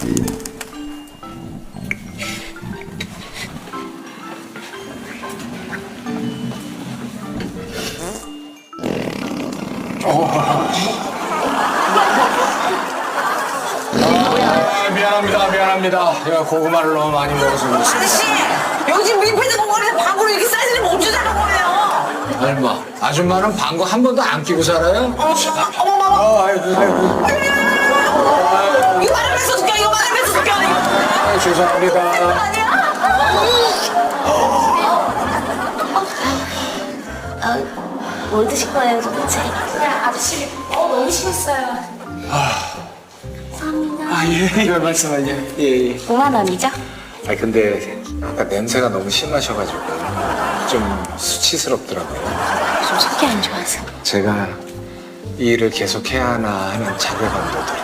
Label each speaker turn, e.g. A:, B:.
A: 미안합니다. 야, 고구마를 너무 많이 먹어서 그렇습니다.
B: 아저씨, 요즘 밀폐된 공간에서 방구로 이렇게 사이즈를 멈춰 자는 거예요.
A: 얼마? 아줌마는 방구 한 번도 안 끼고 살아요?
B: 어머머머.
A: 아이고.
B: 이거 말하면서 웃겨, 이거 말하면서 웃겨.
A: 아, 죄송합니다.
C: 뭘 드실 거예요, 도대체?
D: 그냥 아저씨 너무 심했어요.
C: 감사합니다.
A: 아, 예, 이걸 말씀하냐. 예.
C: 5만 원이죠?
A: 아, 근데 아까 냄새가 너무 심하셔가지고 좀 수치스럽더라고요.
C: 좀 속이 안 좋아서.
A: 제가 이 일을 계속 해야 하나 하는 자괴감도 들어요.